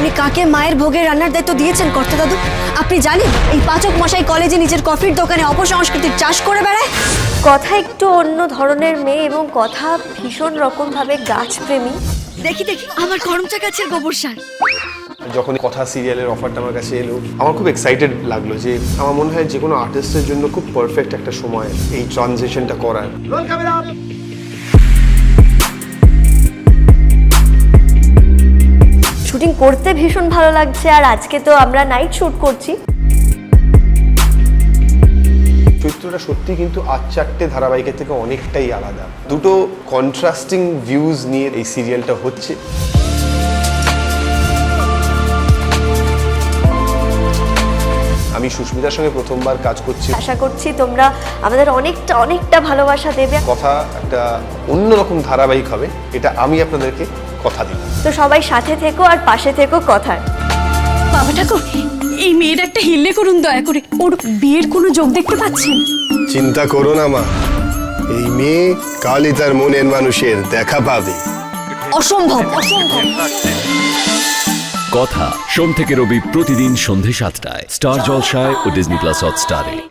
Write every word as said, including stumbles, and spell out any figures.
আপনি কাকে মায়ের ভোগের রান্নার দায়িত্ব দিয়েছেন কর্তা দাদু? আপনি জানেন এই পাচক মশাই কলেজে নিজের কফির দোকানে অপসংস্কৃতির চাষ করে বেড়ায়? কথা একটু অন্য ধরনের মেয়ে এবং কথা ভীষণ রকম ভাবে গাছপ্রেমী। দেখি দেখি আমার করমচা গাছের গোবর সার। যখন কথা সিরিয়ালের অফারটা আমার কাছে এলো, আমার খুব এক্সাইটেড লাগলো যে আমার মনে হয় যে কোনো আর্টিস্টের জন্য খুব পারফেক্ট একটা সময় এই ট্রানজিশনটা করার। শুটিং করতে ভীষণ ভালো লাগছে, আর আজকে তো আমরা নাইট শুট করছি। চরিত্রটা সত্যি কিন্তু আজ চারটে ধারাবাহিকের থেকে অনেকটাই আলাদা। দুটো কন্ট্রাস্টিং ভিউজ নিয়ে এই সিরিয়ালটা হচ্ছে। আমি সুস্মিতার সঙ্গে প্রথমবার কাজ করছি। আশা করছি তোমরা আমাদের অনেকটা অনেকটা ভালোবাসা দেবে। কথা একটা অন্যরকম ধারাবাহিক হবে, এটা আমি আপনাদেরকে কথা দিলাম। তো সবাই সাথে থেকো আর পাশে থেকো কথার। বাবা ঠাকুর, এই মেয়ের একটা হিল্লে করুন দয়া করে। ওর বিয়ের কোনো যোগ দেখতে পাচ্ছেন? চিন্তা করো না মা, এই মেয়ে কালই তার মনের মানুষের দেখা পাবে। অসম্ভব, অসম্ভব। কথা সোম থেকে রবি প্রতিদিন সন্ধে সাতটায় স্টার জলসায় ও ডিজনি প্লাস হটস্টারে।